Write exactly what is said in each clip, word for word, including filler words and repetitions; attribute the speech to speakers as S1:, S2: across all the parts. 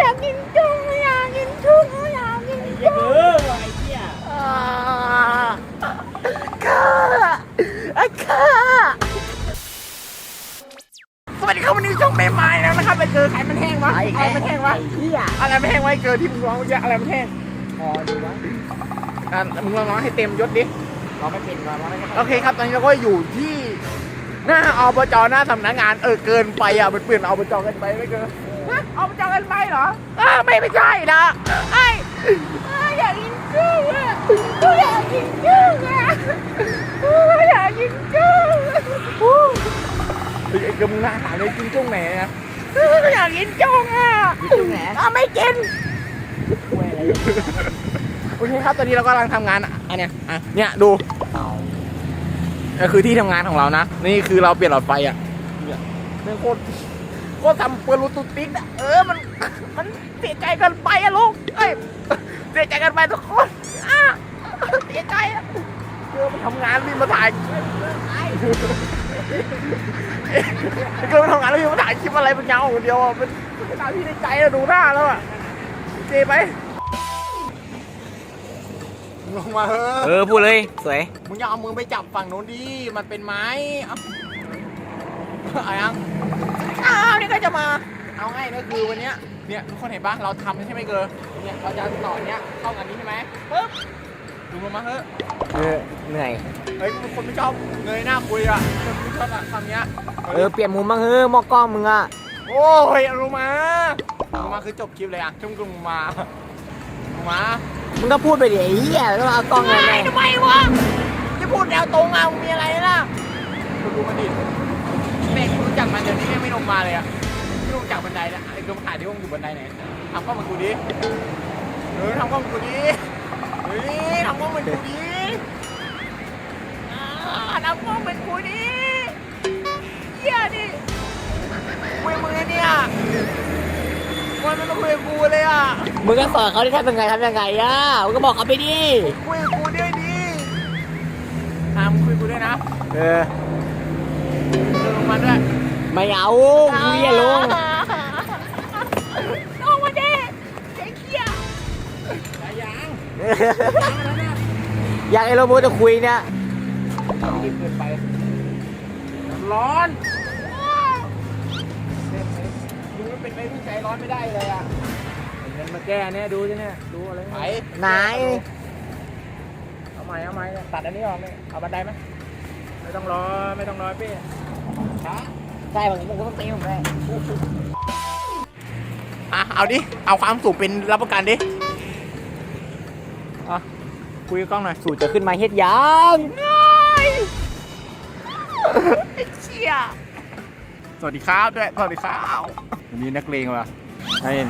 S1: ากกินจุ้งอยากกินจุ้งอยากกินจุ้ง
S2: เออไอ้เหี้ย
S1: ข้าไอ้ข้าสวัสดีครับวันนี้ช่องเมย์ไม้แล้วนะครับไปเจอไข่มันแห้งวะอะไรมันแห้งวะ
S2: ไอ้เหี้ย
S1: อะไรมันแห้งวะเจอที่มึงร้องเยอะอะไรมันแห้ง
S2: พอดูวะ
S1: อ่ะมึงลองร้องให้เต็มยศดิ
S2: เราไม่เป็นเราไม่
S1: โอเคครับตอนนี้เราก็อยู่ที่หน้าอบจหน้าสำนักงานเออเกินไปอ่ะมันเปลี่ยนอบจเกินไปไม่เกินฮะอบจเกินไปเหรออ่าไม่ไม่ใช่นะไอ้อยากกินกุ้งอ่ะอยากกินกุ้งอ่ะอยากกินกุ้งไอ้กำลังหาเลยกินกุ้งไหนนะอยากกินกุ้งอ่ะ
S2: จุงแหน
S1: อ่ะไม่กิน
S2: คุยอะไร
S1: โอเคครับตอนนี้เรากำลังทำงานอันเนี้ยอ่ะเนี่ยดูก็คือที่ทำงานของเรานะนี่คือเราเปลี่ยนหลอดไฟอ่ะเนี่ยนี่โคตรโคตรทำเปลือกตุกติ๊กอ่ะเออมันมันเสียใจเกินไปอ่ะลูกเอ้ยเสียใจเกินไปทุกคนอ่ะเสียใจอ่ะเกิดมาทำงานรีบมาถ่ายเกิดมาทำงานแล้วรีบมาถ่ายคลิปอะไรเป็นเงาคนเดียวอ่ะเป็นเป็นตาที่ในใจอะดูหน้าแล้วอ่ะเจ๊ไหมลงมาเฮ้
S2: เออพูดเลยสวย
S1: มึงอย่าเอามือไปจับฝั่งโน้นดิ มันเป็นไม้เอาอะไรยังอ้าวนี่ก็จะมา เอาง่ายก็คือวันเนี้ย เนี่ยทุกคนเห็นปะเราทำใช่ไหมเกอร์เนี่ยเราจะต่อเนี้ยเข้ากันนี้ใช่ไหมปึ๊บดูลงมาเฮ้ย
S2: เออเหนื่อย
S1: เฮ้ยคนไม่ชอบเงยหน้าคุยอ่ะคนไม่ชอบอะคำเนี้ย
S2: เออเปลี่ยนมุมบ้างเฮ้ยมอกล้องมึงอ่ะ
S1: โอ้ยลงมาลงมาคือจบคลิปเลยอ่ะชุ่มกลุ่มมาลงมา
S2: มึงก็พูดไปดิไอ้เหี้ยแล้วเอากล้องอะไร
S1: ทำไมวะจะพูดแนวตรงอ่ะมึงมีอะไรล่ะคุณดูมันดิแม่งรู้จักมันเดี๋ยวนี้แม่งไม่ลงมาเลยอ่ะไม่ลงจากบันไดแล้วไอ้ดวงถ่ายที่วงอยู่บันไดไหนทำกล้องเหมือนกูดิเออทำกล้องเหมือนกูดิเฮ้ยทำกล้องเหมือนกูดิอ่าทำกล้องเหมือนกูดิเหี้ยดิคุยมือเนี่ยมันไม่ต้องคุยกับกูเลยอ่ะ
S2: มึงก็สอนเขาที่ทำยังไงทำยังไงอ่ะมึงก็บอกเขาไปดิ
S1: คุยกับกูด้วยดิตามคุยกับกูด้วยนะ
S2: เออ
S1: เดินลงมาด้วย
S2: ไม่เอามึงอย่าลง
S1: ลงมาดิเจ๊เขี้ยได้ยัง
S2: อยากไอ้โรโบจะคุยเนี่ย
S1: รีบเกินไปร้อนดูมันเป็นไปผู้ใจร้อนไม่ได้เลยอ่ะ
S2: เงินมาแก้เนี่ยดูสิเนี่ยดูอะไร
S1: ไป
S2: ไหน
S1: เอาใหม่เอาใหม่ตัดอันนี้ออกเลยเอาบันไดไหมไม่ต้องรอไม่ต้องรอพี่ฮะ
S2: ใช่บางทีมึงก็ต้องตีผมเลย
S1: อ่ะเอาดิเอาความสูงเป็นรับประกันดิอ่ะคุยกับกล้องหน่อย
S2: สูตรจะขึ้นมาเฮ็ดยัง
S1: ไอ้เชี่ยสวัสดีครับด้วยสวัสดีครับวันนี้นักเลงว่ะ
S2: ให้ดู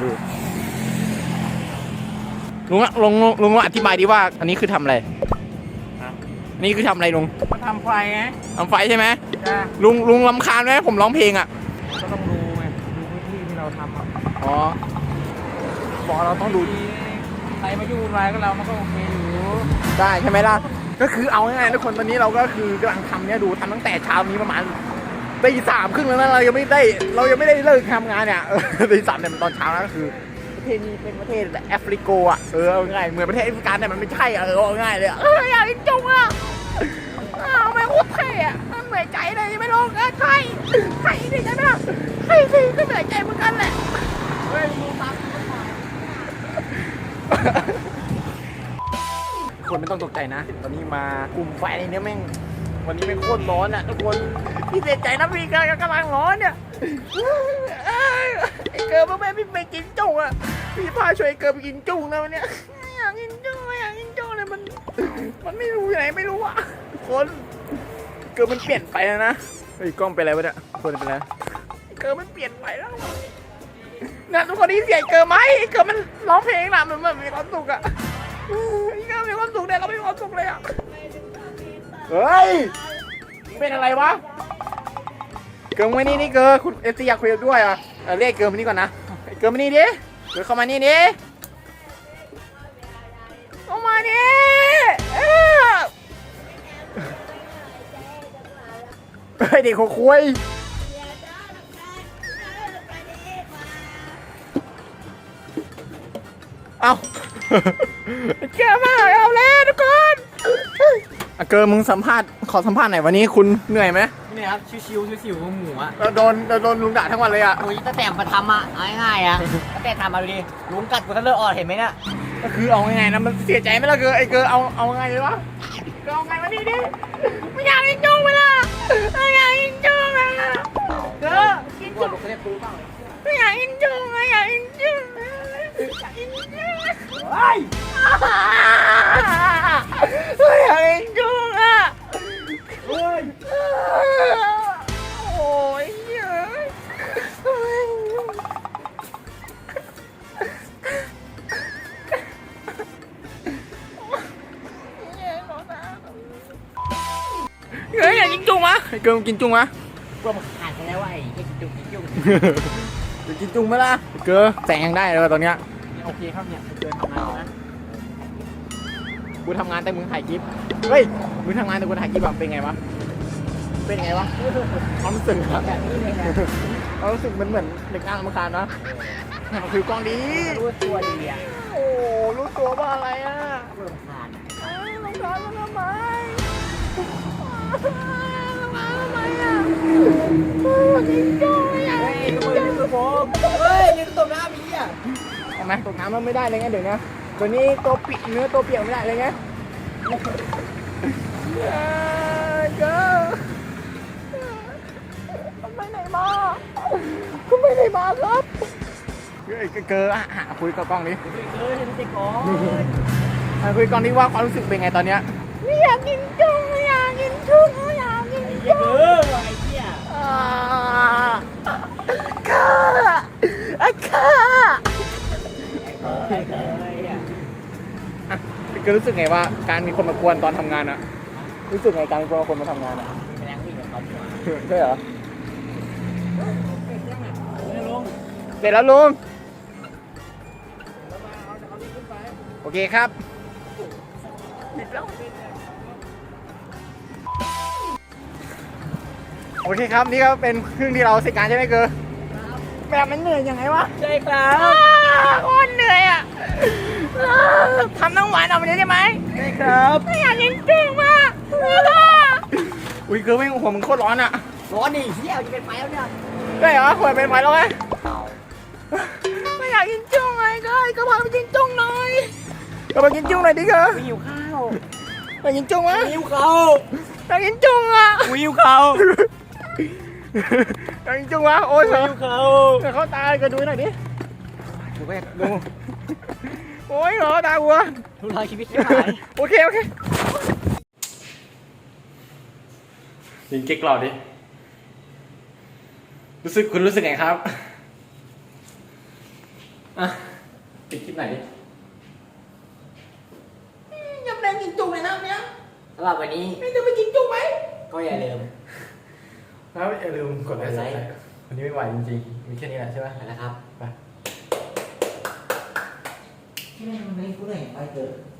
S1: ลุงอะลุงลุงลุงอธิบายดิว่า อันนี้คือทำอะไรอันนี้คือทำอะไรลุง
S2: มาทำไฟไง
S1: ทำไฟใช่ไหม
S2: จ้า
S1: ลุงลุงรำคาญไหมผมร้องเพลงอ่ะ
S2: ก็ต้องดูไงดูพื้นที่ที่เราทำอ่ะ
S1: อ๋อบอกเราต้องดู
S2: ใครมายุ่งวุ่นวายกับเรามันก็โอเคอยู่
S1: ได้ใช่ไหมล่ะก็คือเอาง่ายๆทุกคนตอนนี้เราก็คือกำลังทำเนี่ยดูทำตั้งแต่เช้านี้ประมาณตีสามครึ่งแล้วนะเรายังไม่ได้เรายังไม่ได้เลิกทำงานเนี่ยเออตีสามเนี่ยมันตอนเช้านะก็คือประเทศนี้เป็นประเทศแอฟริโกอ่ะเออเอาง่ายเหมือนประเทศแอฟริกาแต่มันไม่ใช่อ่ะเออเอาง่ายเลยอะเอออยากกินจุงอ่ะอ้าวไม่โคตรเท่อะเหนื่อยใจเลยไม่ลงเออใช่ใช่ดิใช่ไหมล่ะใช่สิก็เหนื่อยใจเหมือนกันแหละเฮ้ยมึงฟังคนไม่ต้องตกใจนะตอนนี้มากลุ่มไฟเนี่ยแม่งวันนี้แม่งโคตรร้อนอ่ะทุกคนพี่เสียใจนะพี่กำลังร้อนเนี่ยไอ้เกิร์ลแม่พี่ไปกินจุ้งอ่ะพี่พาช่วยเกิร์ลไปกินจุ้งนะวันเนี้ยอยากกินจุ้งอยากกินจุ้งเลยมันมันไม่รู้อยู่ไหนไม่รู้อ่ะทุกคนเกิร์ลมันเปลี่ยนไปแล้วนะเฮ้ยกล้องเป็นอะไรวะเนี่ยคนเป็นอะไรเกิร์ลมันเปลี่ยนไปแล้วนะทุกคนนี่เสียเกิร์ลไหมเกิร์ลมันร้องเพลงนะมันมันมีความสุขอ่ะอีกแล้วมีความสุขเนี่ยเราไม่มีความสุขเลยอ่ะเฮ้ยเป็นอะไรวะเกิร์ลมานี่นี่เกิร์ลคุณเอสซีอยากคุยด้วยอ่ะเรียกเกิร์ลมานี่ก่อนนะเกิร์ลมานี่ดิเกิร์ลเข้ามานี่ดิเข้ามาดิเฮ้ยเด็กหัวคุยเอาเกิดมาเอาแล้วทุกคนอ่ะเกิร์มึงสัมภาษณ์ขอสัมภาษณ์หน่อยวันนี้คุณเหนื่อยไหม
S2: นี่ครับชิวๆชิวๆหมูอ่ะ
S1: เราโดนเราโดนลุงด่าทั้งวันเลยอ่ะ
S2: โอ้ยตั้งแต่มาทำอ่ะเอาง่ายๆอ่ะตั้งแต่ทำมาดูดิลุงกัดกูทะเลาะออดเห็นไหมเนี่ย
S1: ก็คือเอาไงนะมันเสียใจไหมล่ะเกิร์ไอ้เกิร์เอาเอาไงเลยวะเกิร์เอาไงมาดิดิไม่อยากกินจุ้งเวลาไม่อยากกินจุ้งอ่ะเกิร์กิน
S2: กู
S1: จุ้ง
S2: ลุงก็ได้ปูบ้าง
S1: ไม่อยากกินจุ้งไม่อยากกินจุ้งอยากกินจุ้ง
S2: เฮ้ย
S1: ไม่อยากกินจุ้งอ่ะ
S2: เฮ้ย
S1: โอ้ยเยอะเฮ้ยอยากกินจุ้งมะไอ้เกิร์ลกินจุ้งมะ
S2: กลัวมันขาดไปแล้วไอ้ไอ้จุกไอ้จุก
S1: อยากกินจุ้งไหมล่ะเกิร์ลแสงยังได้เลยว่ะตอนเนี้ย
S2: โอเคครับเนี่ยเกินทำงานนะ
S1: กูทำงานแต่มึงถ่ายคลิปเฮ้ยมึงทำงานแต่กูถ่ายคลิปแบบเป็นไงวะเป็นไงวะความรู้สึกอะ
S2: แบบนี้เลยนะ
S1: ความรู้สึกมันเหมือนเด็กงานธรรมการนะคือกล้องดี
S2: รู้ตัวดีอ่ะ
S1: โอ้รู้ตัวว่าอะไรอ่ะ
S2: กลัวมันขาด
S1: ลงร้านมาทำไมลงร้านทำไมอ่ะยิงจ้อยอ่ะ
S2: เฮ้ยมือนี่คือผมเฮ้ยยืนตรงหน้าพี่อ่ะ
S1: ทำไมตกน้ำมันไม่ได้เลยไงเดี๋ยวนะตัวนี้ตัวปีกเนื้อตัวเปียกไม่ได้เลยไงเกิร์ลไปไหนมาคุณไปไหนมาครับเฮ้ยเกิร์ลหาคุยกับกล้องดิ
S2: เฮ้ยเด็กก่อน
S1: อ่ะคุยกล้องดิว่าความรู้สึกเป็นไงตอนเนี้ยไม่อยากกินจุ้งไม่อยากกินจุ้งไม่อยากกิน
S2: เฮ้
S1: จุ้ง
S2: ยไอ้เหี้ย
S1: อ่าข้าอ่ะข้า
S2: เฮ้ยเฮ้ยอ่ะ
S1: อ่ะก็รู้สึกไงว่าการมีคนมากวนตอนทำงานอะรู้สึกไงการมีคนมาทำงานอะ
S2: แสดงวิ่งกับเขาดีกว่า
S1: ใช่เหรอ
S2: เฮ้ยลุง
S1: เสร็จแล้วลุงโอเคครับโอเคครับนี่ก็เป็นครึ่งที่เราเสร็จการใช่ไหมเกอร์แบบมันเหนื่อยยังไงวะ
S2: ใช่ครับ
S1: โคตรเหนื่อยอ่ะทำน้ำหวานออกมาได้ไหม
S2: ใช่ครับ
S1: ไม่อยากกินจุ้งมากอุ้ยเกอร์ไม่หัวมึงโคตรร้อนอ่ะ
S2: ร้อนดิเหี้ยจะเป็นไฟแล้วเนี่ย
S1: ได้เหรอหัวเป็นไฟแล้วไงไม่อยากกินจุ้งไงเกอร์ก็พาไปกินจุ้งหน่อยก็ไปกินจุ้งหน่อยดิเกอร์
S2: หิวข้าว
S1: ไปกินจุ้งวะ
S2: หิวข้าว
S1: ไปกินจุ้งอ่ะ
S2: หิวข้าว
S1: ไปกินจุ้งวะโอ้ยเหรอ
S2: หิวข้าว
S1: แต่เขาตายก็ดูหน่อยดิ
S2: ดูไป
S1: ดู โอ้ยเหรอตาวัว
S2: ทุรายชีวิตที่หาย
S1: โอเคโอเคยิงเก๊กหล่อดิรู้สึกคุณรู้สึกไงครับอ่ะปิดคลิปไหนดิยำแดงกินจุ้งเลยนะเนี้ย
S2: สำหรับวันนี้
S1: ไม่จะไปกินจุ้งไหม
S2: ก็อย่าลืม
S1: แล้วอย่าลืมกดไลค์วันนี้ไม่ไหวจริงๆมีแค่นี้แหละใช่ไหม
S2: นะครับ
S1: ไป
S2: ที่แม่งมันไม่กูเลยไปเถอะ